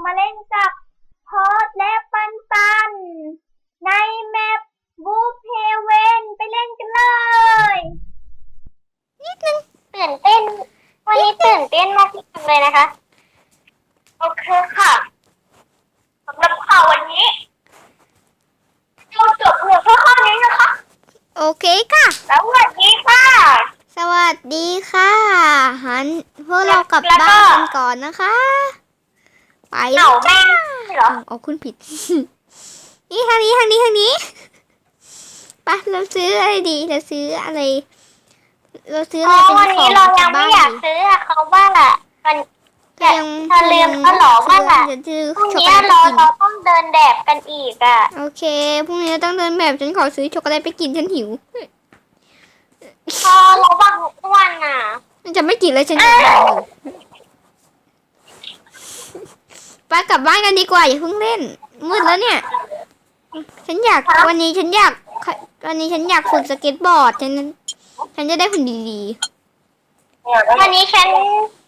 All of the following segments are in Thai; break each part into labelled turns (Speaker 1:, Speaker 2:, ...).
Speaker 1: มาเล่นกับพอดและปันปันในแมปบูเพเวนไปเล่นกันเลย
Speaker 2: ตื่นเต้นวันนี้ตื่นเต้นมากเลยนะคะโอเคค่ะสำหรับข่าววันนี้เราจบเพียงแค่ข้อนี้นะคะ
Speaker 3: โอเคค่ะ
Speaker 2: สวัสดีค่ะ
Speaker 3: สวัสดีค่ะหันพวกเรากลับบ้านกันก่อนนะคะไปแล้วจ้าเอาคุณผิด นี่ทางนี้ไปเราซื้ออะไรดีเราซื้ออะไรเป็น
Speaker 2: วันนี้เรายังไม่อยากซื้อเขาบ้างอ่ะมันเธอลืมเขาหรอว่าอ่ะพรุ่งนี้เราต้องเดินแบบกันอีกอ่ะ
Speaker 3: โอเคพรุ่งนี้เราต้องเดินแบบฉันขอซื้อช็อกโกแลตไปกินฉันหิว
Speaker 2: พอเราบังทุกวันอ่ะ
Speaker 3: จะไม่กินเลยฉันจะไปไปกลับบ้านกันดีกว่าอย่าเพิ่งเล่นมืดแล้วเนี่ยวันนี้ฉันอยากฝึกสเก็ตบอร์ดฉันจะได้ผลดี
Speaker 2: ๆวันนี้ฉัน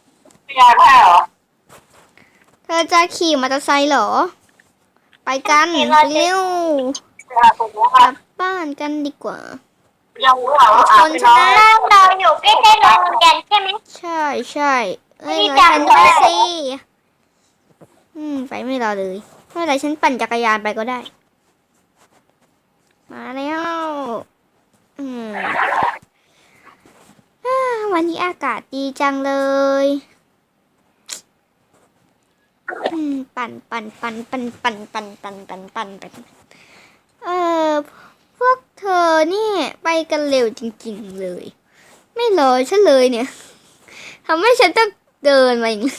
Speaker 3: เธอจะขี่มอเตอร์ไซค์เหรอไปกันเร็วกลับบ้านกันดีกว่า
Speaker 2: คนชนะเราอยู่ใกล้ๆโรงเรียนใช่ไหม
Speaker 3: ใช่เอ้ยฉันด้วยสิไปไม่รอเลยไม่เป็นไรฉันปั่นจักรยานไปก็ได้มาแล้ววันนี้อากาศดีจังเลยปั่นพวกเธอนี่ไปกันเร็วจริงๆเลยไม่รอฉันเลยเนี่ยทำให้ฉันต้องเดินมาอย่างนี้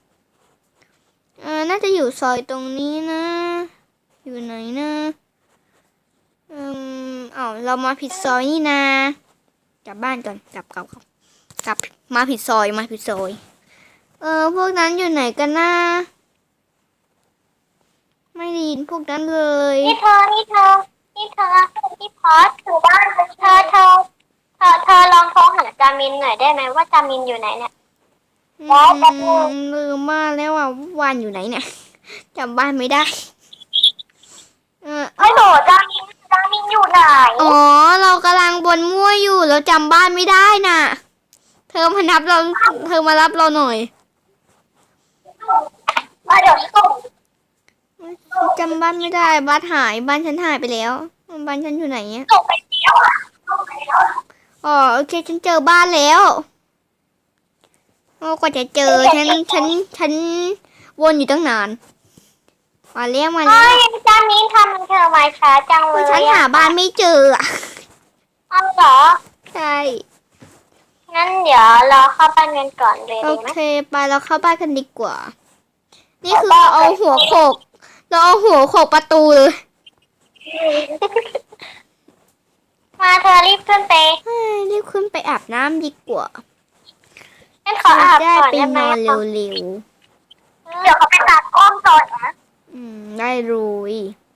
Speaker 3: น่าจะอยู่ซอยตรงนี้นะอยู่ไหนนะเรามาผิดซอยนี่นะกลับบ้านก่อนกลับมาผิดซอยพวกนั้นอยู่ไหนกันนะไม่ได้ยินพวกนั้นเลย
Speaker 2: นี่เธอที่พอสคือบ้านเธอลองโทรหาจามินหน่อยได้ไหมว่าจามินอยู่ไหนเนี่ย
Speaker 3: ลืมมาแล้วอ่ะวานอยู่ไหนเนี่ยจำบ้านไม่ได้
Speaker 2: ไม่โหลจามินอยู่ไหน
Speaker 3: อ๋อเรากำลังบนมั่วอยู่เราจำบ้านไม่ได้น่ะเธอมารับเราหน่อย
Speaker 2: เดี๋ยวส่ง
Speaker 3: จำบ้านไม่ได้บ้านฉันหายไปแล้วบ้านฉันอยู่ไหนเนี่ย
Speaker 2: ส่งไปแล้ว
Speaker 3: อ๋อโอเคฉันเจอบ้านแล้วกว่าจะเจอฉันวนอยู่ตั้งนานมาแล้ว
Speaker 2: จามินทำเธอมาช้าจังเลย
Speaker 3: ฉันหาบ้านไม่เจออ่ะ
Speaker 2: เอาเหรอ
Speaker 3: ใช่
Speaker 2: งั้นเดี๋ยวเราเข้าบ้านกันก่อนเลย
Speaker 3: โอ
Speaker 2: ดีไหม
Speaker 3: เคไปเราเข้าบ้านกันดีกว่านี่คือเราเอาหัวโขกประตูเลย
Speaker 2: มาเธอรีบขึ้นไป
Speaker 3: อาบน้ำดีกว่า
Speaker 2: ฉันขออาบก่อน
Speaker 3: ได้ไหมนอนเร็ว
Speaker 2: เดี๋ยวเขาไปตัดกล้องก่อนนะ
Speaker 3: ได้เลย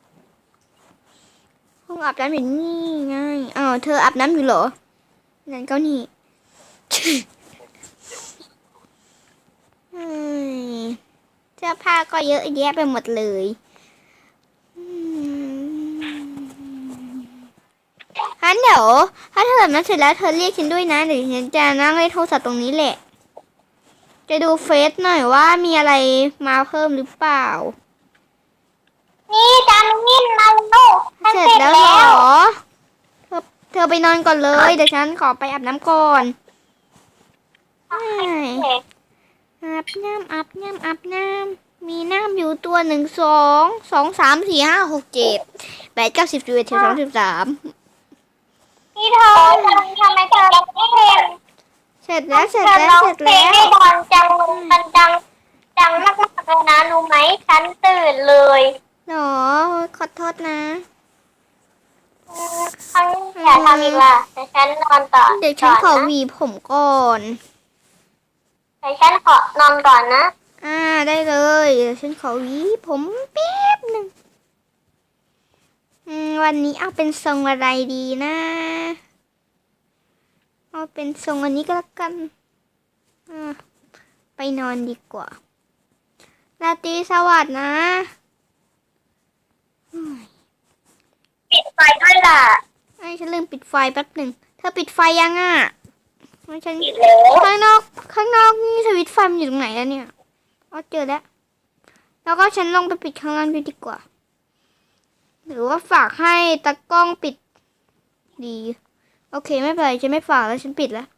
Speaker 3: ห้องอาบน้ำอยู่นี่ไงเธออาบน้ำอยู่เหรอนั่นก็นี่เสื้อผ้าก็เยอะแยะไปหมดเลยเดี๋ยวถ้าเธอแบบนั้นเสร็จแล้วเธอเรียกฉันด้วยนะเดี๋ยวฉันจะนั่งเล่นโทรศัพท์ตรงนี้แหละจะดูเฟซหน่อยว่ามีอะไรมาเพิ่มหรือเปล่า
Speaker 2: นี่จามินมาลูก
Speaker 3: เสร็จแล้วเหรอเธอไปนอนก่อนเลยเดี๋ยวฉันขอไปอาบน้ำก่อนอาบน้ำมีน้ำอยู่ตัว1 2 2 3 4 5 6 7 8 9 10 11 12 13
Speaker 2: นี่เธอทำไมเธอไม่เห็น
Speaker 3: เสร็จแล้ว
Speaker 2: ให้บอลมันดังมากๆเลยนะรู้ไหมฉันตื่นเลย
Speaker 3: หรอขอโทษนะ
Speaker 2: อย่าทำอีกล่ะแต่ฉันนอนต่อ
Speaker 3: เดี๋ยวฉันขอหวีผมก่อน
Speaker 2: แต่ฉันขอนอนก่อนนะ
Speaker 3: ได้เลยเดี๋ยวฉันขอหวีผมแป๊บหนึ่งวันนี้เอาเป็นทรงอะไรดีนะเอาเป็นทรงอันนี้ก็แล้วกันไปนอนดีกว่าราตรีสวัสดิ์นะ
Speaker 2: ปิดไฟด้วยล่ะ
Speaker 3: ไอ้ฉันลืมปิดไฟแป๊บหนึ่งเธอปิดไฟยังอ่ะไม่ฉัน
Speaker 2: ปิดแล้ว
Speaker 3: ข้างนอกนี่สวิตช์ไฟมันอยู่ตรงไหนแล้วเนี่ยอ๋อเจอแล้ว แล้วก็ฉันลงไปปิดข้างล่างด้วยดีกว่า หรือว่าฝากให้ตากล้องปิดดี โอเคไม่เป็นไรฉันไม่ฝากแล้วฉันปิดแล้ว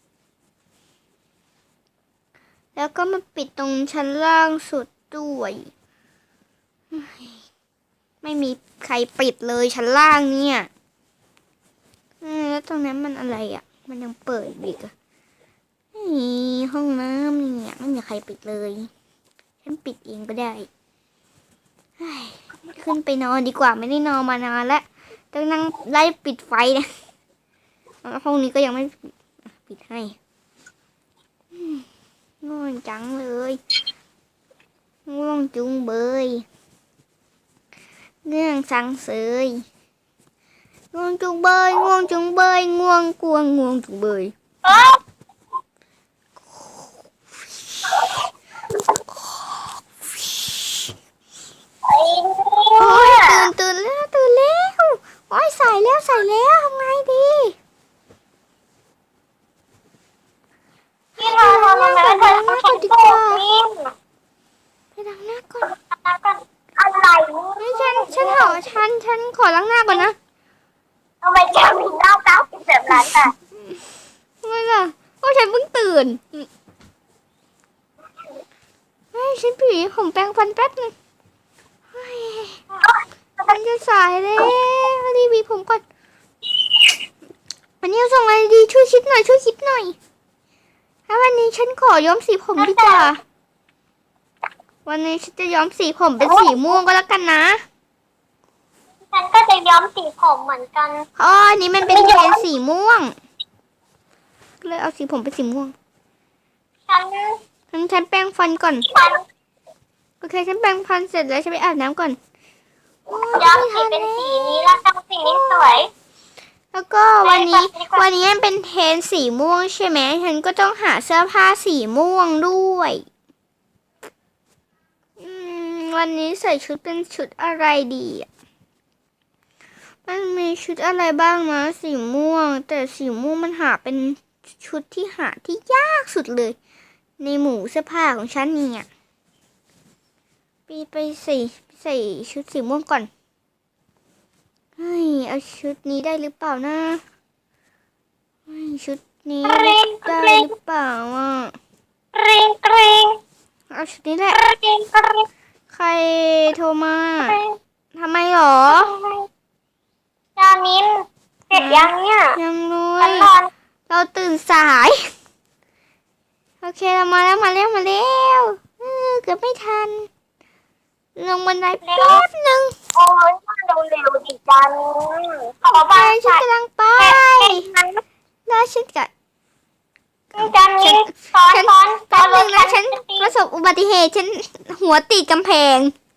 Speaker 3: แล้วก็มาปิดตรงชั้นล่างสุดด้วยไม่มีใครปิดเลยชั้นล่างเนี่ยแล้วตรงนั้นมันอะไรอ่ะ มันยังเปิดอีกอ่ะนี่ห้องน้ำเนี่ยไม่มีใครปิดเลย ฉันปิดเองก็ได้ขึ้นไปนอนดีกว่าไม่ได้นอนมานานแล้วต้องนั่งไล่ปิดไฟนะห้องนี้ก็ยังไม่ปิดให้ง่วงจังเลยง่วงจุงเบยเงื่องสังเสยง่วงจุงเบยง่วงจุงเบยง่วงกวงง่วงจุงเบยโอ้ยตื่นแล้วโอ้ยใส่แล้วทำไงดี
Speaker 2: พี่นอนทำไมไม่เธอฉันโกรธนี่
Speaker 3: ไปล้างหน้าก่อน
Speaker 2: อะไร
Speaker 3: นี่ฉันขอล้างหน้าก่อนนะ
Speaker 2: ทำไมจะมีเน่าเป็นแบบนั้นอ่ะ
Speaker 3: ทำไมล่ะก็ฉันเพิ่งตื่นฉันผีผมแปรงฟันแป๊บนึงมันจะสายแล้วรีบหวีผมก่อนวันนี้ส่งอะไรดีช่วยคิดหน่อยถ้าวันนี้ฉันขอย้อมสีผมดีกว่าวันนี้ฉันจะย้อมสีผมเป็นสีม่วงก็แล้วกันนะ
Speaker 2: ฉันก็จะย้อมสีผมเหมือนกัน
Speaker 3: อ๋ออันนี้มันเป็นเทนสีม่วงเลยเอาสีผมเป็นสีม่วงฉันแปรงฟันก่อนโอเคฉันแปรงฟันเสร็จแล้วฉันไปอาบน้ำก่อน
Speaker 2: ย้อมสีเป็นสีนี้แล้วทำสีนี้สวย
Speaker 3: แล้วก็วันนี้มันเป็นเทนสีม่วงใช่ไหมฉันก็ต้องหาเสื้อผ้าสีม่วงด้วยวันนี้ใส่ชุดเป็นชุดอะไรดีมันมีชุดอะไรบ้างนะสีม่วงแต่สีม่วงมันหาเป็นชุดที่หาที่ยากสุดเลย ในหมู่เสื้อผ้าของฉันเนี่ยไปใส่ชุดสีม่วงก่อนเฮ้ยเอาชุดนี้ได้หรือเปล่านะชุดนี้ได้หรือเปล่าอ่ะ
Speaker 2: กริง
Speaker 3: เอาชุดนี้แหละ
Speaker 2: กริง
Speaker 3: ใครโทรมาทำไมหรอ
Speaker 2: จามินเสร็จยังเนี่ย
Speaker 3: ยังเล
Speaker 2: ฉั
Speaker 3: ย
Speaker 2: นนอน
Speaker 3: เราตื่นสายโอเคเรามาแล้วเกือบไม่ทันลงบันไดแป๊บหนึ่ง
Speaker 2: โอ้ยมาเร็วดิจามินขอ
Speaker 3: ไป
Speaker 2: บ้าน
Speaker 3: ฉันกำลังไปแล้วฉันกะ
Speaker 2: จามินสอน
Speaker 3: แป๊บหนึ่งนะฉันประสบอุบัติเหตุฉันหัวติดกำแพง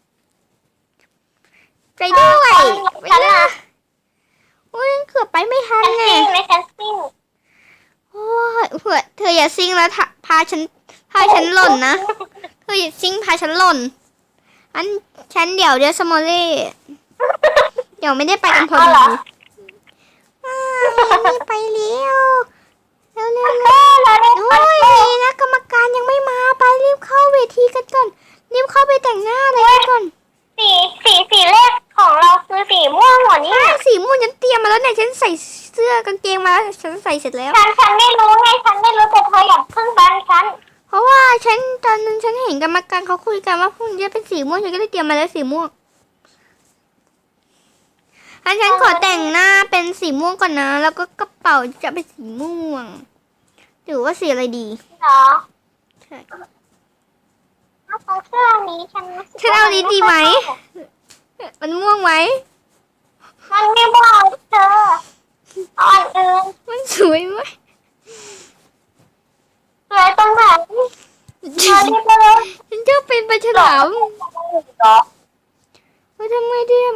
Speaker 3: ไปด้วยไปเลยอุ้ยเกือบไปไม่ทัน
Speaker 2: ฉัน
Speaker 3: ไง
Speaker 2: ซิ่งเลยฉันซิ่ง
Speaker 3: โอ้ยเธออย่าซิ่งแล้วพาฉันหล่นนะเธออย่าซิ่งพาฉันหล่นฉันเดี๋ยวสมอลเล่เดี๋ยวไม่ได้ไปกันพอดีนี่ไปเร็วโอ้ยนะกรรมการยังไม่มาไปรีบเข้าเวทีกันก่อนรีบเข้าไปแต่งหน้าอะไรกันก่อน
Speaker 2: สีแรกของเราคือสีม่วงหมดนี่
Speaker 3: ใช่สีม่วงฉันเตรียมมาแล้วเนี่ยฉันใส่เสื้อกางเกงมาแล้วฉันใส่เสร็จแล้ว
Speaker 2: ฉันไม่รู้ไงฉันไม่รู้แต่เธออยากพึ่งบ้านฉัน
Speaker 3: เพราะว่าตอนนั้นฉันเห็นกรรมการเขาคุยกันว่าพรุ่งนี้จะเป็นสีม่วงฉันก็เลยเตรียมมาแล้วสีม่วงฉันขอแต่งหน้าเป็นสีม่วงก่อนนะแล้วก็กระเป๋าจะเป็นสีม่วงหรือว่าสีอะไรดี
Speaker 2: เหรอ
Speaker 3: ใช่
Speaker 2: เอาเสื้อนี้ฉัน
Speaker 3: เอานี้ดีไหมมันม่วงไหม
Speaker 2: มันไม่บอกเธออ่อนอื่น
Speaker 3: มันสวยไหม
Speaker 2: สวยตรงไหนเธอรีบมาเลย
Speaker 3: ฉันจะเป็นปลาฉลาม
Speaker 2: เหรอ
Speaker 3: ว่าทำไงดี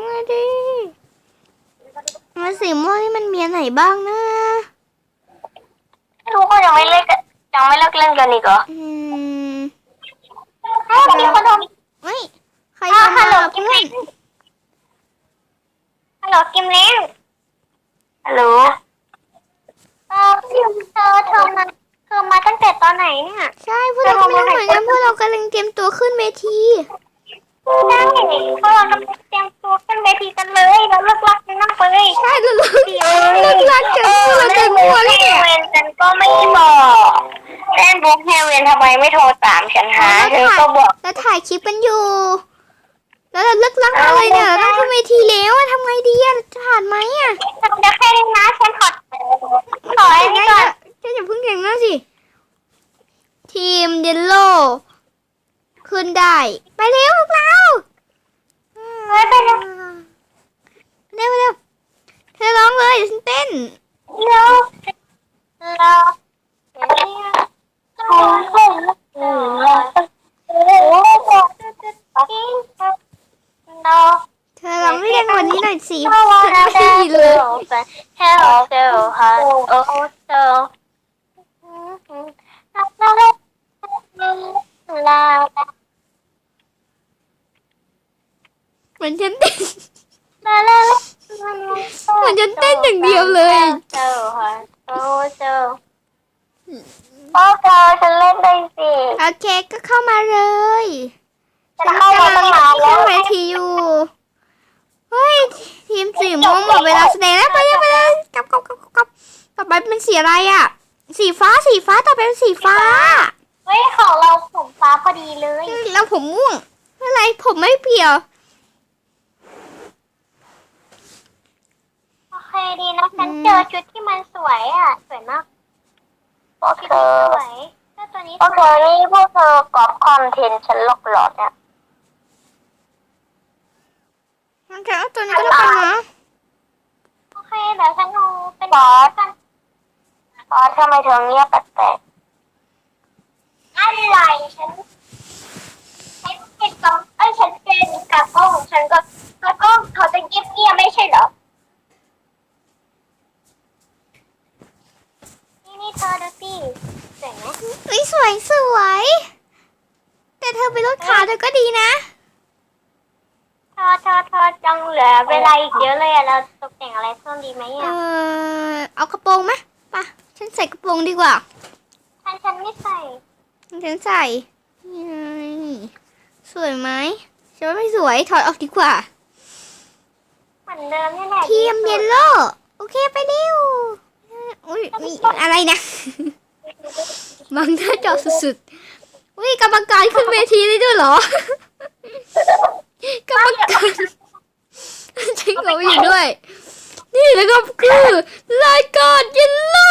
Speaker 3: มันสีม่วงนี่มันมีอันไหนบ้างนะ
Speaker 2: ไม่รู้ก็ยังไม่เลิกเล่นกันอีกเหรอมีคนโทร
Speaker 3: เฮ้ยใครโทร
Speaker 2: ฮั
Speaker 3: มา
Speaker 2: ลโหลกิ
Speaker 3: เพื่
Speaker 2: ม
Speaker 3: อ
Speaker 2: เล้
Speaker 3: น
Speaker 2: งฮัลโหลกิมเล้งฮัลโหลเธอมาตั้งแต่ตอนไหนเนี่ย
Speaker 3: ใช่พวกเราก็ไม่รู้เหมือนกันพวกเรากำลังเตรียมตัวขึ้นเวที
Speaker 2: ใช่พวกเรากำลังเตรียมตัวขึ้นเวทีกันเลยแล้วเลิกลักกันนั่งไปเลย
Speaker 3: ใช่เราเลิกรักกันพวกเราจะมัวเลย
Speaker 2: เฮ
Speaker 3: เนี่ย
Speaker 2: เวนฉันก็ไม่บอกเล่นบุ๊กเฮเวนทำไมไม่โทรตามฉันหาฉันก็บอก
Speaker 3: แล้วถ่ายคลิปกันอยู่ แล้วเราเลิกรักอะไรเนี่ยเราต้องขึ้นเวทีแล้วอะทำไงดีอะจะผ่านไหมอะ
Speaker 2: ทำได้แค่นี้นะฉันขอไอ้นี่ก่อน
Speaker 3: ฉันอย่าเพิ่งเก่งนะสิ ทีมเยลโล่ขึ้นได้ ไปเร็วพวกเรา
Speaker 2: ไปเลย
Speaker 3: เร็วเร็วเธอร้องเลยเดี๋ยวฉันเต้น
Speaker 2: เราเรา
Speaker 3: เธอร้องให้ดังกว่านี้หน่อยสิฉันไม่ได้ยินเลย
Speaker 2: Hello, so, la
Speaker 3: เหมือนฉันเต้น
Speaker 2: la la
Speaker 3: เหมือนฉันเต้นอย่างเดียวเลย
Speaker 2: โอ้เธอฉันเล่นได้สิ
Speaker 3: โอเคก็เข้ามาเลย
Speaker 2: ฉันเข้ามาตั้งนานแล้
Speaker 3: ขึ้น
Speaker 2: ว
Speaker 3: เวทีอยู่ เฮ้ย ทีมสีม่วงหมดเวลาแสดงแล้วไปเลยกลับต่อไปเป็นสีอะไรอ่ะ สีฟ้าต่อไปเป็นสีฟ้า
Speaker 2: เฮ้ยของเราผมฟ้าพอดีเลย
Speaker 3: แล้วผมม่วงไม่เป็นไรผมไม่เปี่ยว
Speaker 2: โอเคดีนะฉันเจอชุดที่มันสวยอ่ะสวยมากพวกเธอสวยตัวนี้พวกเธอนี่พวกเธอกอบคอนเทนต์ฉันหลอกหลอนเนี่ย
Speaker 3: มันจะเอาตัวนี้ก็แล้วกันนะ
Speaker 2: โอเคเดี๋ยวฉันดูเป็นกันทำไมเธอเงียบแปลกๆอะไรฉันเป็นกล้องฉันเป็นกระก้องฉันก็กระก้องเขาจะเงียบไม่ใช่เหรอนี่เธอดูสิสวยไหม
Speaker 3: เฮ้ยสวยแต่เธอไปลดขาเธอก็ดีนะ
Speaker 2: เธอจังเหลือเวลาอีกเยอะเลยอะเราตกแต่งอะไรเพิ่มดีไหมอะ
Speaker 3: เอากระโปรงไหมไปะฉันใส่กระโปรงดีกว่า
Speaker 2: ฉันไม่ใส่
Speaker 3: ฉันใส่นี่สวยไหมฉันว่าไม่สวยถอดออกดีกว่า
Speaker 2: เหมือนเดิมนี่แหละ
Speaker 3: ทีมเยลโล่โอเคไปเร็วอุ้ยมีอะไรนะ บังหน้าจอสุดๆอุ้ยกรรมการขึ้นเวทีได้ด้วยเหรอ กรรมการจริงเหรออยู่ด้วย นี่แล้วก็คือรายการเยลโล่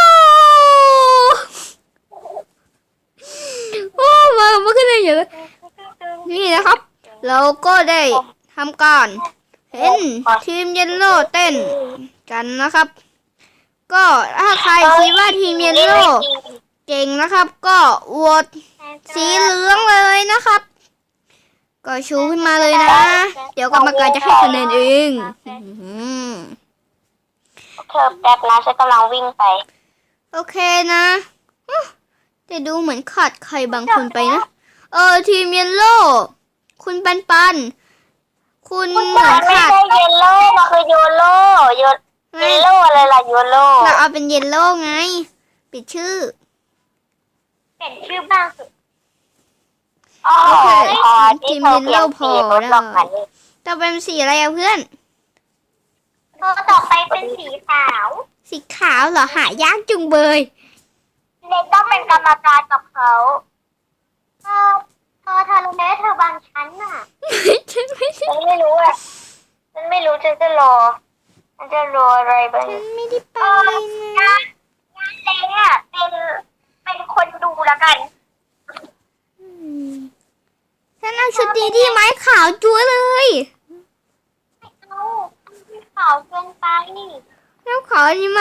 Speaker 3: โอ้มาขึ้นอะไรอย่างนี้นี่นะครับ เราก็ได้ทำการเห็นทีมเยลโล่เต้นกันนะครับ ก็ถ้าใครคิดว่าทีมเยลโล่เก่งนะครับ ก็โหวตสีเหลืองเลยนะครับ ก็ชูขึ้นมาเลยนะ เดี๋ยวกรรมการจะให้คะแนนเอง
Speaker 2: เธอแป๊บนะฉันกำลังวิ่งไป
Speaker 3: โอเคนะแต่ดูเหมือนขาดใครบางคนไปนะ ทีมเยลโล่คุณปันคุณเหมือน
Speaker 2: ไม่
Speaker 3: ขาด
Speaker 2: ใช่เยลโล่มันคือโยโล่เยลโล่อะไรล่ะโยโล่
Speaker 3: เราเอาเป็นเยลโล่ไง ปิดชื่อ
Speaker 2: เปลี่ยนชื่อบ้างสิ
Speaker 3: โอเคทีมเยลโล่พอแล้วต่อไปเป็นสีอะไรอะเพื่อน
Speaker 2: ต่อไปเป็นสีขาว
Speaker 3: สีขาวเหรอหายากจุงเบย
Speaker 2: เล็กต้องเป็นกรรมการกับเขาเธอรู้ไหมเธอบางชั้นน่ะ
Speaker 3: ฉันไม่ได้
Speaker 2: ฉันไม่รู้อ่ะฉันไม่รู้ฉันจะรออะไรบ้าง
Speaker 3: ฉันไม่ได้ไป
Speaker 2: งานเล้งอ่ะเป็นคนดูแล้วกัน
Speaker 3: ฉันเอาชุดนี้ดีไหมขาวจั๊วเลย
Speaker 2: เอาขาวเกินไปนี่
Speaker 3: แล้วขาวดีไหม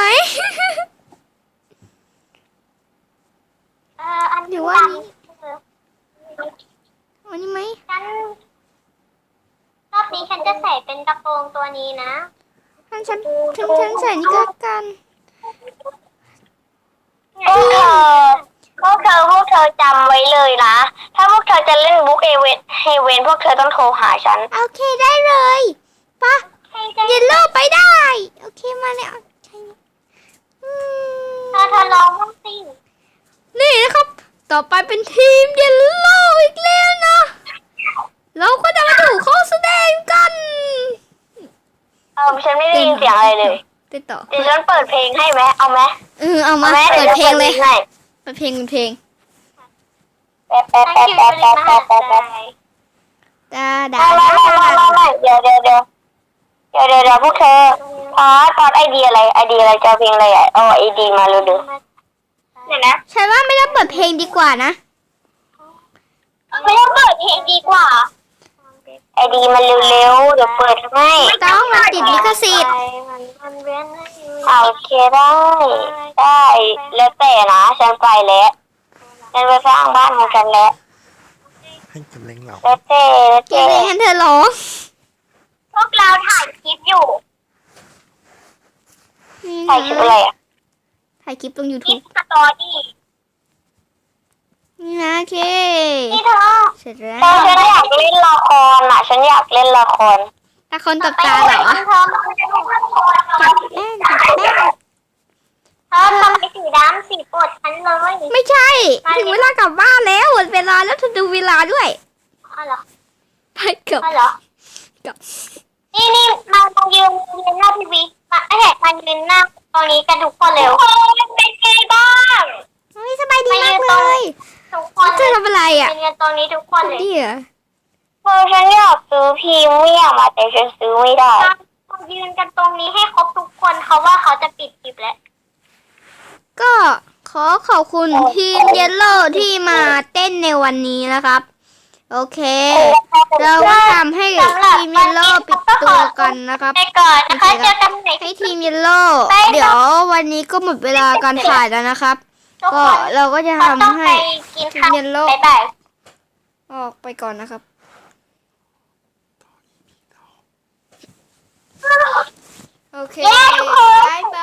Speaker 2: อัน
Speaker 3: หรื
Speaker 2: นี้
Speaker 3: อว่า
Speaker 2: ว่า
Speaker 3: อันนี้ไหม
Speaker 2: ฉันรอบนี้ฉันจะใส่เป็นกระโปรงตัวนี้นะ
Speaker 3: ฉันใส่นี่ก็แล้วกัน
Speaker 2: พวกเธอจำไว้เลยนะ ถ้าพวกเธอจะเล่นบุ๊กเฮเวนพวกเธอต้องโทรหาฉัน
Speaker 3: โอเคได้เลยปะเยลโล่ไปได้ โอเคมาแล้วใช่อืม
Speaker 2: เธอลองบ้างสิ
Speaker 3: นี่นะครับ ต่อไปเป็นทีมเยลโล่อีกแล้วนะ เราก็จะมาดูเขาแสดงกัน
Speaker 2: ฉันไม่ได้ยินเสียงอะไรเลย
Speaker 3: ติดต่อ
Speaker 2: เดี๋ยวฉันเปิดเพลงให้ไหมเอาไหม
Speaker 3: เอามา
Speaker 2: ไหม
Speaker 3: เปิดเพลงเลย
Speaker 2: ให้
Speaker 3: เปิดเพลงเป็นเพลง
Speaker 2: แป๊บ
Speaker 3: ดาดา
Speaker 2: ไม่เดี๋ยวพวกเธอพอดไอเดียอะไรจะเพลงอะไรเอาไอดีมาเร็วๆเดี๋ยวนะ
Speaker 3: ฉันว่าไม่ต้องเปิดเพลงดีกว่านะ
Speaker 2: ไม่ต้องเปิดเพลงดีกว่าไอดีมันเร็วๆเดี๋ยวเปิดให้
Speaker 3: ต้องมันติดลิขสิทธิ์
Speaker 2: โอเคได้แล้วแต่นะฉันไปแล้วฉันไปสร้างบ้านของฉันแล้ว
Speaker 4: ให้กำลังเรา
Speaker 2: แล้วแต่
Speaker 3: เกเรให้เธอร้อง
Speaker 2: พวกเราถ่ายคลิปอยู่
Speaker 3: นี่
Speaker 2: ถ่ายคลิปอะไรอ่ะ
Speaker 3: ถ่ายคลิปลง
Speaker 2: คลิ
Speaker 3: YouTube
Speaker 2: ปสตอรี่
Speaker 3: นี่นะโอเค
Speaker 2: นี่เธอ
Speaker 3: เสร็จแล้ว
Speaker 2: ฉันอยากเล่นละครอ่ะฉันอยากเล่นละคร
Speaker 3: ตาคนตบตาเหรอ
Speaker 2: เธอมาเล่นละคร
Speaker 3: จับแป้งจับแป้ง
Speaker 2: เธอทำไมสีดำสีปวดฉันเลย
Speaker 3: ไม่ใช่ ถึงเวลากลับบ้านแล้วหมดเวลาแล้วเธอดูเวลาด้วย
Speaker 2: อ๋อเหรอ
Speaker 3: ไปกับ
Speaker 2: อ๋อเหรอ
Speaker 3: กับ
Speaker 2: นี่มายืนหน้าทีวีมามายืนหน้าตรงนี้กันทุกคนเร็วเป็นไงบ้าง
Speaker 3: โอ้ยสบายดีมากเลย
Speaker 2: ทุกคน
Speaker 3: เธอทำอะไรอ่ะ
Speaker 2: ยืนตรงนี้ทุกคนเลย
Speaker 3: ดีเหรอ
Speaker 2: ฉันอยากซื้อพรีเมียมแต่ฉันซื้อไม่ได้ยืนกันตรงนี้ให้ครบทุกคนเขาว่าเขาจะปิดคลิปแล้ว
Speaker 3: ก็ขอขอบคุณทีมเยลโล่ที่มาเต้นในวันนี้นะครับ โอเค เราก็ทำให้ทีมเยลโล่ปิดตัวกันนะครับ
Speaker 2: ไปก่อนนะคะเจอกันใหม่
Speaker 3: ให้ทีมเยลโล่เดี๋ยววันนี้ก็หมดเวลาการถ่ายแล้วนะครับ
Speaker 2: ทุก
Speaker 3: ก็
Speaker 2: คน
Speaker 3: เราก็จะ
Speaker 2: เราต้อง
Speaker 3: ทำ
Speaker 2: ไป
Speaker 3: ให้
Speaker 2: กินข้าว
Speaker 3: เย็นโลก
Speaker 2: บ๊ายบาย
Speaker 3: ออกไปก่อนนะครับ โอเค
Speaker 2: เย้ทุกคน
Speaker 3: บายบ